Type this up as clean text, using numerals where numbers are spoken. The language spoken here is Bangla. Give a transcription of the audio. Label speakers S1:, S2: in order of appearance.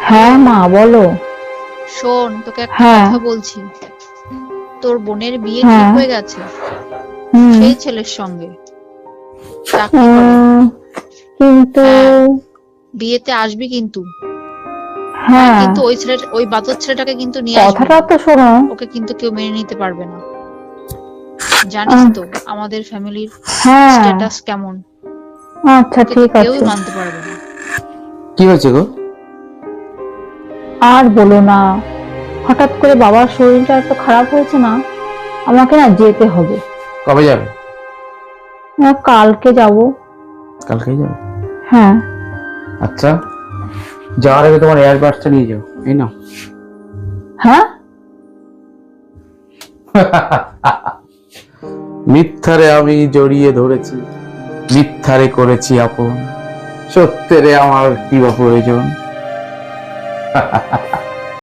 S1: হ্যাঁ মা বলো।
S2: শোন, তোকে একটা
S1: হ্যাঁ
S2: কথা বলছি। তোর বোনের বিয়ে ঠিক
S1: হ্যাঁ।
S2: হয়ে গেছে
S1: হুম।
S2: সেই ছেলের সঙ্গে, চাকরি করে।
S1: উম, কিন্তু
S2: হ্যাঁ, বিয়েতে আসবি কিন্তু। আর
S1: হ্যাঁ,
S2: কিন্তু ওই বাদর ছেলেটাকে কিন্তু নিয়ে আসবি
S1: কথাটা
S2: না।
S1: তো শোনো।
S2: ওকে কিন্তু কেউ মেনে নিতে পারবে না। জানিস
S1: আহ,
S2: তো আমাদের ফ্যামিলির
S1: হ্যাঁ,
S2: স্ট্যাটাস কেমন।
S1: আচ্ছা
S2: ওকে তো
S1: ঠিক
S2: কেউই
S1: আছে।
S2: মানতে পারবে না।
S3: কি হয়েছে গো?
S1: আর বলো না, হঠাৎ করে বাবার শরীরটা এত খারাপ হয়েছে না, আমাকে না যেতে হবে।
S3: কবে যাবে?
S1: কালকে যাব।
S3: কালকেই যাবে?
S1: হ্যাঁ।
S3: আচ্ছা, যাওয়ার আগে তোমার এয়ারবাডসটা নিয়ে যাও, এই নাও।
S1: হ্যাঁ।
S3: মিথ্যারে আমি জড়িয়ে ধরেছি, মিথ্যারে করেছি আপন, সত্যেরে আমার কি বা প্রয়োজন।